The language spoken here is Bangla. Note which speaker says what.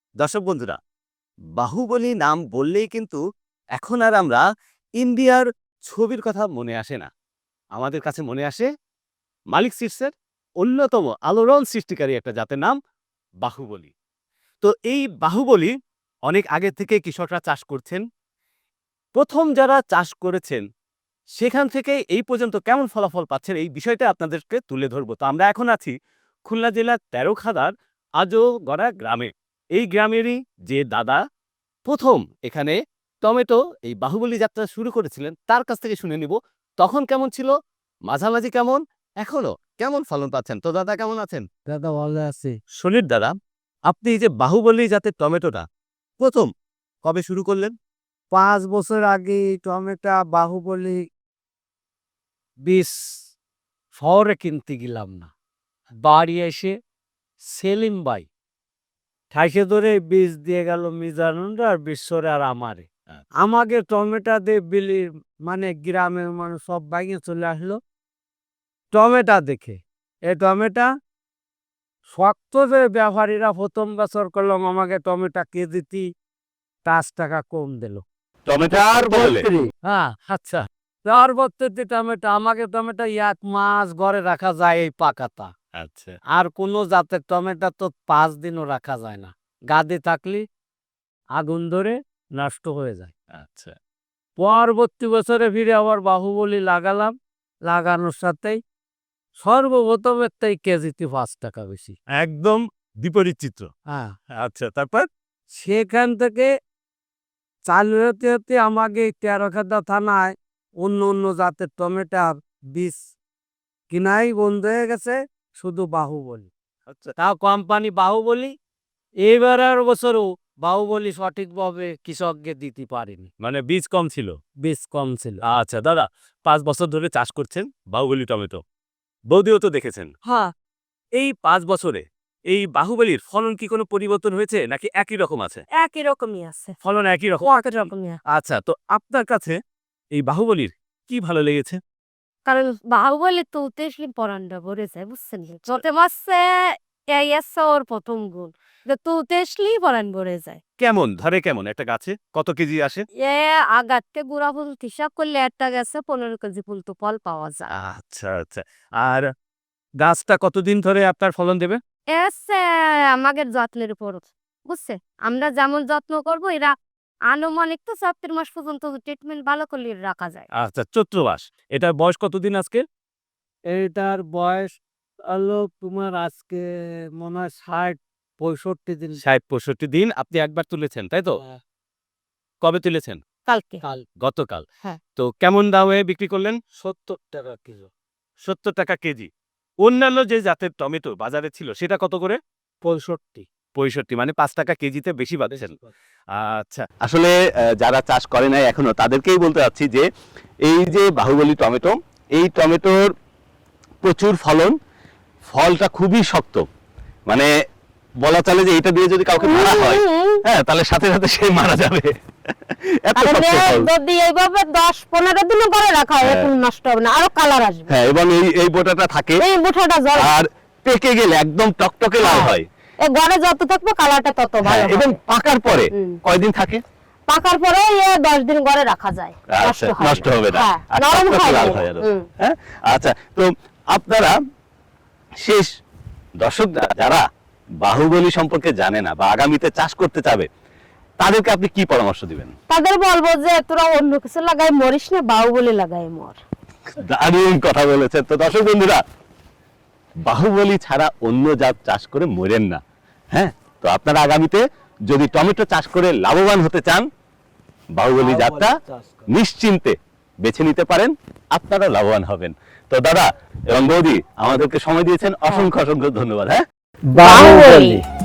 Speaker 1: দর্শক বন্ধুরা, বাহুবলী নাম বললেই কিন্তু এখন আর আমরা ইন্ডিয়ার ছবির কথা মনে আসে না। আমাদের কাছে মনে আসে মালিক সিটসের অন্যতম আলোড়ন সৃষ্টিকারী একটা জাতের নাম বাহুবলী। তো এই বাহুবলী অনেক আগে থেকে কৃষকরা চাষ করছেন। প্রথম যারা চাষ করেছেন সেখান থেকে এই পর্যন্ত কেমন ফলাফল পাচ্ছেন এই বিষয়টা আপনাদেরকে তুলে ধরবো। তো আমরা এখন আছি খুলনা জেলার তেরোখাদার আজগড়া গ্রামে। এই গ্রামেরই যে দাদা প্রথম এখানে টমেটো এই বাহুবলী যাত্রা শুরু করেছিলেন তার কাছ থেকে শুনে নিব তখন কেমন ছিল, মাঝামাঝি কেমন, এখনো কেমন ফলন পাচ্ছেন। তো দাদা কেমন আছেন?
Speaker 2: দাদা ভালো আছি।
Speaker 1: সুনীল দাদা, আপনি এই যে বাহুবলী জাতের টমেটোটা প্রথম কবে শুরু করলেন?
Speaker 2: 5 বছর আগে টমেটো বাহুবলী বীজ শহরে কিনতে গেলাম না। বাড়ি এসে সেলিম ভাই ঠাইসে ধরে বীজ দিয়ে গেল মিজানুর আর বিশ্বরে আর আমারে। আমাকে টমেটো দিয়ে বিলি মানে গ্রামের মানুষ সব বাইকে চলে আসলো টমেটো দেখে। এই টমেটো শক্ত যে ব্যাপারীরা প্রথম বছর করলাম আমাকে টমেটো কেজিতে 5 টাকা কম দিল।
Speaker 1: টমেটোর বদলে
Speaker 2: হ্যাঁ, আচ্ছা। পরবর্তীতে টমেটো আমাকে টমেটো 1 মাস ঘরে রাখা যায় এই পাকাটা।
Speaker 1: আচ্ছা
Speaker 2: আর কোনো জাতের টমেটো তো 5 দিনও রাখা যায় না। গাদে থাকলে আগুন ধরে নষ্ট হয়ে যায়।
Speaker 1: আচ্ছা
Speaker 2: পরবর্তী বছরে ফিরে আবার বাহুবলী লাগালাম। লাগানোর সাথেই সর্বপ্রথমের থেকে কেজিতে 5 টাকা বেশি।
Speaker 1: একদম বিপরীত চিত্র।
Speaker 2: হ্যাঁ,
Speaker 1: আচ্ছা তারপর?
Speaker 2: সেখান থেকে চালু হতে হতে আমাকে তেরোখাদা থানায় অন্য জাতের টমেটোর বীজ কিনাই বন্ধ হয়ে গেছে, শুধু বাহুবলী।
Speaker 1: আচ্ছা
Speaker 2: তাও কোম্পানি বাহুবলী এবারের বছরও বাহুবলী সঠিকভাবে কৃষককে দিতে পারেনি,
Speaker 1: মানে বীজ কম ছিল।
Speaker 2: বীজ কম ছিল।
Speaker 1: আচ্ছা দাদা, 5 বছর ধরে চাষ করছেন বাহুবলী টমেটো, বৌদিও তো দেখেছেন।
Speaker 2: হ্যাঁ,
Speaker 1: এই 5 বছরে এই বাহুবলীর ফলন কি কোনো পরিবর্তন হয়েছে নাকি একই রকম আছে?
Speaker 3: একই রকমই আছে।
Speaker 1: ফলন একই রকম।
Speaker 3: একই রকমই আছে।
Speaker 1: আচ্ছা, তো আপনার কাছে এই বাহুবলীর কি ভালো লেগেছে?
Speaker 3: কারণ বাহুবলী তো উতেশলি পরান্ডা ভরে যায়, বুঝছেন? যত মাসে এই আছে ওর প্রথম গুণ। যে তো উতেশলি পরান ভরে যায়।
Speaker 1: কেমন ধরে, কেমন একটা গাছে কত কেজি আসে?
Speaker 3: এ আগাতে গুড়া ফুল হিসাব করলে একটা গেছে 15 কেজি ফুল তো ফল পাওয়া যায়।
Speaker 1: আচ্ছা আচ্ছা। আর গাছটা কতদিন ধরে আপনার ফলন দেবে?
Speaker 3: এসে আমাদের যত্নের উপর, বুঝছে? আমরা যেমন যত্ন করব এরা আনুমানিক তো 7 মাস পর্যন্ত ট্রিটমেন্ট ভালো করলে রাখা যায়।
Speaker 1: আচ্ছা, চৈত্র মাস। এটার বয়স কতদিন আজকে?
Speaker 2: এইটার বয়স হলো তোমার আজকে মনে হয় 60-65 দিন।
Speaker 1: ৬০-৬৫ দিন আপনি একবার তুলেছেন, তাই তো?
Speaker 2: হ্যাঁ,
Speaker 1: কবে তুলেছেন?
Speaker 3: কালকে।
Speaker 2: কাল
Speaker 1: গতকাল।
Speaker 3: হ্যাঁ।
Speaker 1: তো কেমন দামে বিক্রি করলেন?
Speaker 2: 70 টাকা কিলো।
Speaker 1: ৭০ টাকা কেজি। অন্যান্য যে জাতের টমেটো বাজারে ছিল সেটা কত করে?
Speaker 2: 65
Speaker 1: 65, মানে ৫ টাকা কেজিতে বেশি পাচ্ছেন। আচ্ছা, আসলে যারা চাষ করে নাই এখনো তাদেরকেই বলতে চাচ্ছি যে এই যে বাহুবলী টমেটো, এই টমেটোর প্রচুর ফলন, ফলটা খুবই শক্ত। মানে বলা চলে যে এটা দিয়ে যদি কাউকে মারা হয়, হ্যাঁ, তাহলে সাথে সাথে সে মারা যাবে। এত
Speaker 3: আর
Speaker 1: শক্ত ফল।
Speaker 3: যদি এইভাবে 10-15 দিনও করে রাখা হয়
Speaker 1: হ্যাঁ।
Speaker 3: এখন নষ্ট হবে না, আরো কালার আসবে।
Speaker 1: হ্যাঁ, এবং এই বোটাটা থাকে
Speaker 3: এই মুঠাটা জল
Speaker 1: আর পেকে গেলে একদম টকটকে লাল হয়।
Speaker 3: এই ঘরে যত থাকবে কালারটা তত
Speaker 1: হ্যাঁ,
Speaker 3: ভালো
Speaker 1: এবং
Speaker 3: হবে।
Speaker 1: পাকার পরে
Speaker 3: হুম।
Speaker 1: কয়দিন থাকে?
Speaker 3: পাকার পরে 10 দিন ঘরে রাখা যায়,
Speaker 1: আচ্ছা, নষ্ট হবে না।
Speaker 3: হ্যাঁ,
Speaker 1: আর
Speaker 3: নরম
Speaker 1: টকটকে
Speaker 3: হয়
Speaker 1: লাল
Speaker 3: না।
Speaker 1: হয় আরো।
Speaker 3: হুম।
Speaker 1: হ্যাঁ, আচ্ছা, তো আপনারা শেষ দর্শকরা যারা বাহুবলী সম্পর্কে জানে না বা আগামীতে চাষ করতে চাবে তাদেরকে আপনি কি পরামর্শ দিবেন?
Speaker 3: তাদের বলবো যে তোরা অন্য কিছু লাগাই মরিস না, বাহুবলী লাগাই মর।
Speaker 1: দারুণ কথা বলেছেন। তো দর্শক বন্ধুরা, বাহুবলী ছাড়া অন্য জাত চাষ করে মরেন না। হ্যাঁ, তো আপনারা আগামীতে যদি টমেটো চাষ করে লাভবান হতে চান, বাহুবলী জাতটা নিশ্চিন্তে বেছে নিতে পারেন, আপনারা লাভবান হবেন। তো দাদা এবং বৌদি আমাদেরকে সময় দিয়েছেন, অসংখ্য অসংখ্য ধন্যবাদ। হ্যাঁ,
Speaker 2: বাহুবলী।